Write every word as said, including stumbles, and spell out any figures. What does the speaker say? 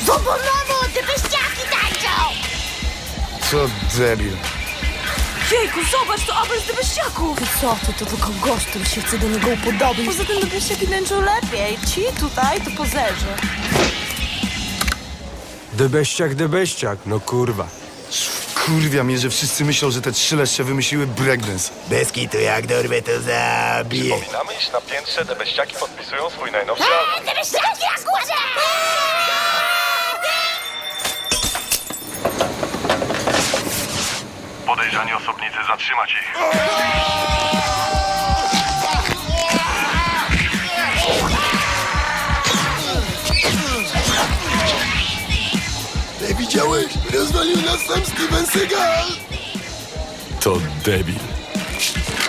Wobonowo, te beściaki tańczą! Co debil. Jejku, zobacz, to Abel z Debeściaków! Ty co, to, to tylko gość, który się chce do niego upodobać. Poza tym Debeściaki tańczą lepiej. Ci tutaj to pozerzy. Debeściak, debeściak, no kurwa. Kurwia mnie, że wszyscy myślą, że te trzy leszcze wymyśliły breakdance. Bez kitu, jak dorwę, to zabiję. Przypominamy, iż na piętrze Debeściaki podpisują swój najnowszy album. Eee, te beściaki na górze! Podejrzani osobnicy, zatrzymać ich. Ty widziałeś? Rozwalił nas sam Steven Seagal. To debil.